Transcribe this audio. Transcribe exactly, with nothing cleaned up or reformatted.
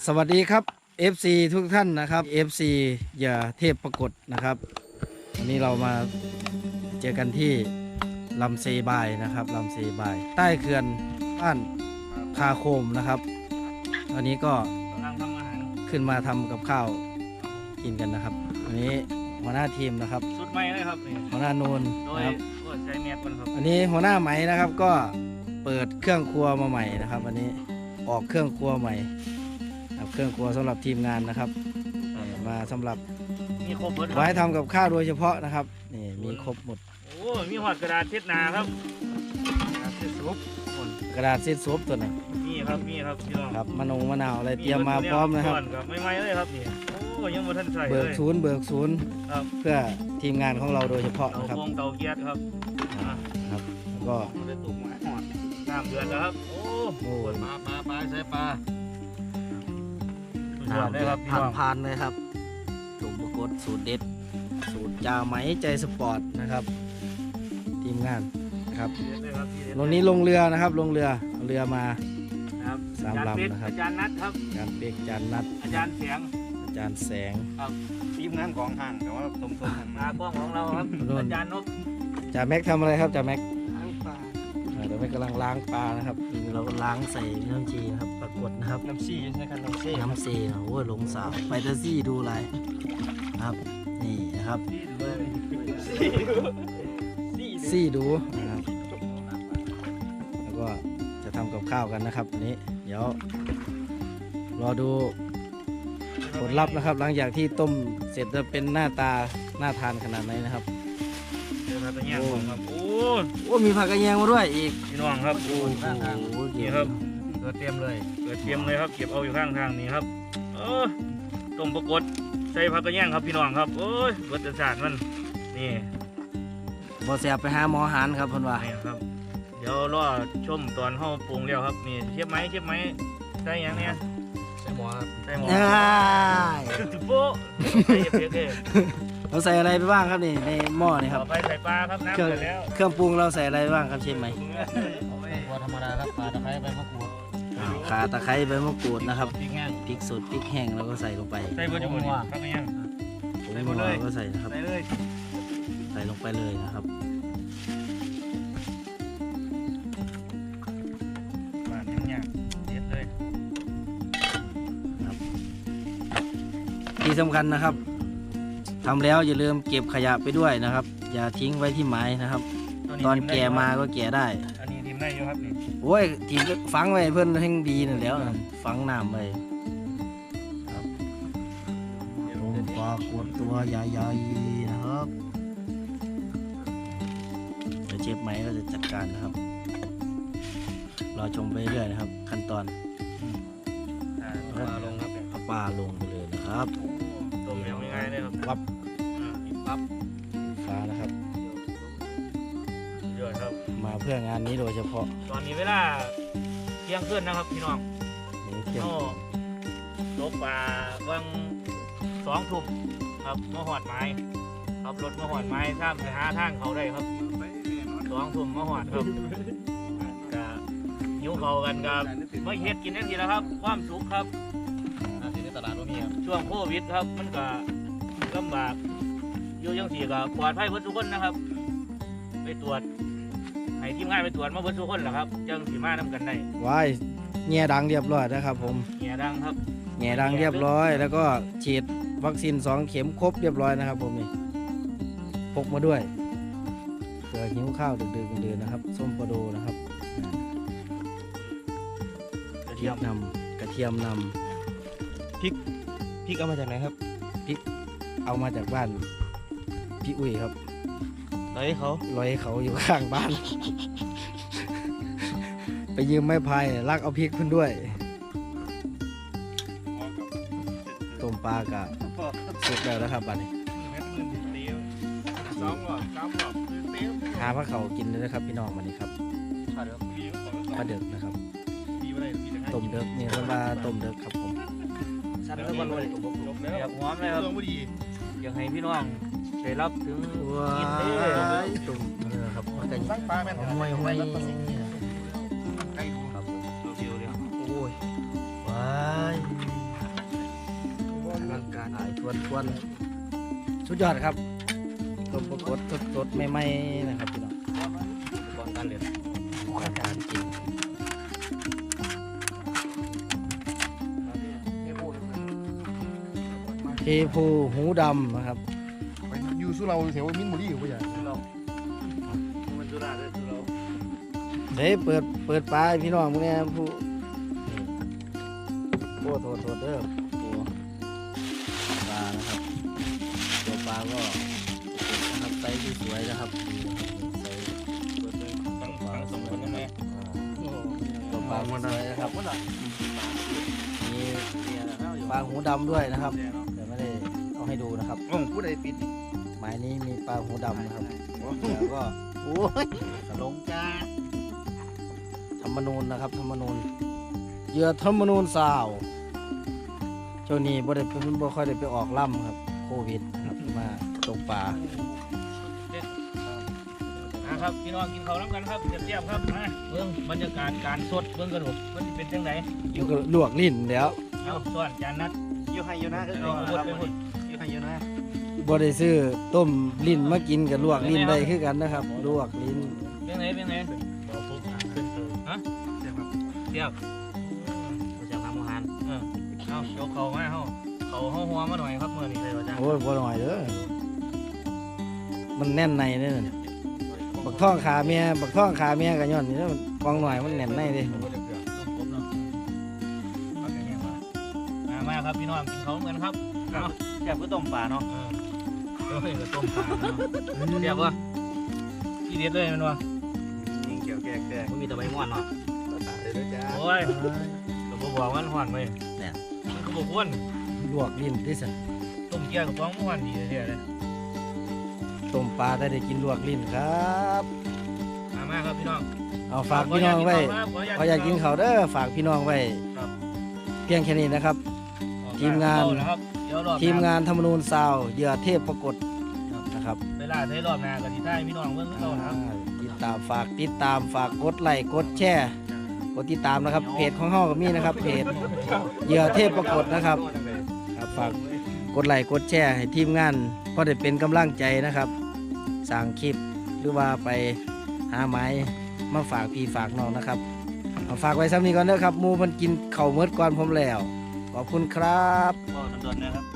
สวัสดีครับ เอฟ ซี ทุกท่านนะครับ เอฟ ซี อย่าเทพปรากฏนะครับวันนี้เรามาเจอกันที่ลำเซบายนะครับลำเซบายใต้เขื่อนบ้านคาโคมนะครับวันนี้ก็กำลังทำอาหารขึ้นมาทำกับข้าวกินกันนะครับอันนี้หัวหน้าทีมนะครับสุดใหม่เลยครับนี่หัวหน้านูนโดยนะครับใช้เมียดมันครับอันนี้หัวหน้าไหมนะครับก็เปิดเครื่องครัวมาใหม่นะครับวันนี้ออกเครื่องครัวใหม่เครื่องครัวสำหรับทีมงานนะครับมาสำหรับมีครบหมดไว้ทำกับข้าวโดยเฉพาะนะครับนี่มีครบหมดโอ้มีหอดกระดาษเช็ดหนาครับกระดาษเช็ดซุปกระดาษเช็ดซุปตัวนึงมีครับมีครับพี่น้องครับมะนงมะนาวอะไรเตรียมมาพร้อมนะครับไม่ไม่เลยครับนี่โอ้ยังไม่ทันใส่เลยเบิกศูนย์เบิกศูนย์เพื่อทีมงานของเราโดยเฉพาะนะครับเตาเตาเกียร์ครับครับก็ได้ตุ่มหอดน้ำเดือดแล้วครับโอ้โหปลาปลาปลาใส่ปลาน้ำเดือดผ่านผ่านเลยครับตุ่มปรากฏสูตรเด็ดสูตรจ่าไหมใจสปอร์ตนะครับทีมงานนะครับลงนี้ลงเรือนะครับลงเรือเรือมาสามลำนะครับอาจารย์นัทครับอาจารย์เป็กอาจารย์นัทอาจารย์แสงอาจารย์แสงครับทีมงานของห่างแต่ว่าสมทบมากล้องของเราครับอาจารย์นกจ่าแม็กทำอะไรครับจ่าแม็กล้างปลาเดี๋ยวแม็กกำลังล้างปลานะครับเราก็ล้างใส่น้ำจีนะครับปรากฏนะครับน้ำซีใช่ครับน้ำซีน้ำซีโอ้ยหลงสาวไปเตอร์ซี่ดูอะไรครับนี่นะครับซี่ดูนะครับแล้วก็จะทำกับข้าวกันนะครับวันนี้เดี๋ยวรอดูผลลัพธ์นะครับหลังจากที่ต้มเสร็จจะเป็นหน้าตาน่าทานขนาดไหนนะครับโอ้ครับโอ้โอ้มีผักกระเทียมมาด้วยอีกพี่น้องครับโอ้ข้างทางนี่ครับเกิดเตรียมเลยเกิดเตรียมเลยครับเก็บเอาอยู่ข้างทางนี่ครับเออต้มปรากฏใส่ผักกระเทียมครับพี่น้องครับโอ้ยรสชาติมันนี่บ่แสบไปหาหมอหันครับเพิ่นว่าครับเดี๋ยวรอชมตอนห่อปรุงแล้วครับนี่เชฟไหมเชฟไหมใส่ยังเนี่ยใส่หมอครับใส่หมอจุ๊บโป๊ะใส่เผ็ดๆเราใส่อะไรไปบ้างครับนี่ในหม้อนี่ครับไปใส่ปลาครับน้ำเดือดแล้วเครื่องปรุงเราใส่อะไรบ้างครับเชฟไหมว่าธรรมดาครับปลาตะไคร้ใบมะกรูดข่าตะไคร้ใบมะกรูดนะครับพริกแห้งพริกสดพริกแห้งเราก็ใส่ลงไปใส่บนจมูกครับก็ยังใส่หมดเลยก็ใส่นะครับใส่เลยใส่ลงไปเลยนะครับปลาเนี่ยเด็ดเลยที่สำคัญนะครับทำแล้วอย่าลืมเก็บขยะไปด้วยนะครับอย่าทิ้งไว้ที่ไม้นะครับตอนแก่มาก็แก่ได้อันนี้ทิมได้อยู่ครับนี่โอ้ยทีมฝังไว้เพื่อนให้ดีนั่นแล้วฝังน้ำไว้ครับลงปลากดตัวใหญ่ๆนะครับเดี๋ยวเชฟไหมก็จะจัดการนะครับรอชมไปเรื่อยนะครับขั้นตอนปลาลงครับเอาปลาลงไปเลยนะครับต้มยังไงเลยครับปั๊บปั๊บฟ้านะครับเยอะครับมาเพื่องานนี้โดยเฉพาะตอนนี้เวลาเที่ยงคืนนะครับพี่น้องเที่ยงตกปลาวังสองทุ่มครับมาหอดไม้ครับรถมาหอดไม้ข้ามไปหาทางเขาได้ครับสองทุ่มมาหอดครับกับหิวเขากันกับไม่เฮ็ดกินได้ทีแล้วครับความสุขครับในตลาดตรงนี้ครับช่วงโควิดครับมันก็ลำบากอยู่ยังสี่ก็ปลอดภัยเพื่อทุกคนนะครับไปตรวจให้ทีมงานไปตรวจมาเพื่อทุกคนแหละครับจังสีมาทำกันได้ว้ายแง่ดังเรียบร้อยนะครับผมแง่ดังครับแง่ดังเรียบร้อยแล้วก็ฉีดวัคซีนสองเข็มครบเรียบร้อยนะครับผมนี่พกมาด้วยเผื่อหิวข้าวดึกๆดื่นๆนะครับส้มปลาโดนะครับกระเทียมนำกระเทียมนำพริกพริกเอามาจากไหนครับพริกเอามาจากบ้านพี่อุ้ยครับลอยเขาลอยเขาอยู่ข้างบ้านไปยืมไม้พายลักเอาพริกขึ้นด้วยต้มปลากะสุกแล้วนะครับบ้านนี้หาพระเขากินเลยนะครับพี่น้องวันนี้ครับปลาเดือกนะครับต้มเดือกนี่เรียกว่าต้มเดือกครับผมชั้นแล้วก็เลยอยากหอมเลยครับอยากให้พี่น้องได้รับถึงกินได้ตุ่มนะครับมันก็ปลาแม่นห้วยห้วยครับผมเดียวเดียวโอ้ยว้ายวนทวนสุดยอดครับต้มปรากฏสดๆใหม่ๆนะครับพี่น้องก่อนการเรียนก่อนการกินเทพูหูดำนะครับไปอยู่สุเราแถวมินบุรีอยู่ปะอย่างเรามันจุฬาด้วยจุฬาเฮ้ยเปิดเปิดปลาให้พี่น้องพวกนี้ผู้โอ้โทษโทษเด้อตัวปลานะครับตัวปลาก็นะครับไซส์ที่สวยนะครับไซส์ทั้งทั้งสองคนนั่นแหละตัวปลาที่สวยนะครับมีปลาหูดำด้วยนะครับแต่ไม่ได้เอาให้ดูนะครับโอ้ผู้ใดปิดหมายนี้มีปลาหูดำนะครับแล้วก็โอ้ยลงจ้าธรรมนูญนะครับธรรมนูญเหยื่อธรรมนูญสาวช่วงนี้บ่ได้เป็นบ่ค่อยได้ไปออกล่ำครับโควิดนะครับมาตกปลานะครับพี่น้องกินข้าวน้ำกันครับเทียบๆครับมาเบื้องบรรยากาศการสดเบื้องกระดูกมันสิเป็นจังไหนแล้วก็ลวกลิ้นแล้วเอาส่วนจานนัดอยู่ให้อยู่นะเอาหมดไปหมดอยู่ให้อยู่นะบ่ได้ซื้อต้มลิ้นมากินกับลวกลิ้นได้คือกันนะครับ ลวกลิ้นเป็นไงเป็นไงฮะเทียบจะทำอาหารเออเอายกเขามาเฮาเขาเฮาหัวมาหน่อยครับเมื่อนี้เลยว่าจ้าโอ้ยบ่หน่อยเด้อมันแน่นในเด้อบักท่องขาเมียบักท่องขาเมียก็ย้อนนี่เด้อมันกองหน่อยมันแน่นในเด้มามาครับพี่น้องกินเขาเหมือนครับเอาแซ่บก็ต้มปลาเนาะเออเดี๋ยวให้กับต้มปลาเนาะเทียบวะที่เด็ดเลยมันวะยิงเกี่ยวแก่แก่มันมีแต่ใบม่อนเนาะตายเลยจ้าโอ้ยก็บ่บอกมันหวานเลยมันก็บอกวนลวกลิ้นที่สุดต้มเกี๊ยวกับฟ้องหวานดีเลยเลยต้มปลาได้ได้กินลวกลิ้นครับมามาครับพี่น้องเอาฝากพี่น้องไว้เขาอยากกินเขาวเด้อฝากพี่น้องไว้ครับเพียงแค่นี้นะครับ ทีมงานนะครับเดี๋ยวรอบทีมงานธรรมนูญซาวเหยื่อเทพปรากฏนะครับเวลาใช้รอบหน้าก็ที่ได้พี่น้องเบิ่งเขานะครับอ่าติดตามฝากติดตามฝากกดไลค์กดแชร์กดติดตามนะครับเพจของเฮาก็มีนะครับเพจเหยื่อเทพปรากฏนะครับครับฝากกดไลค์กดแชร์ให้ทีมงานเพราะได้เป็นกำลังใจนะครับสร้างคลิปหรือว่าไปหาไม้มาฝากพี่ฝากน้องนะครับเอาฝากไว้ซ้ำนี้ก่อนเด้อครับหมูมันกินเข่าวเมิดก่อนผมแล้วขอบคุณครับก็โดนๆนะครับ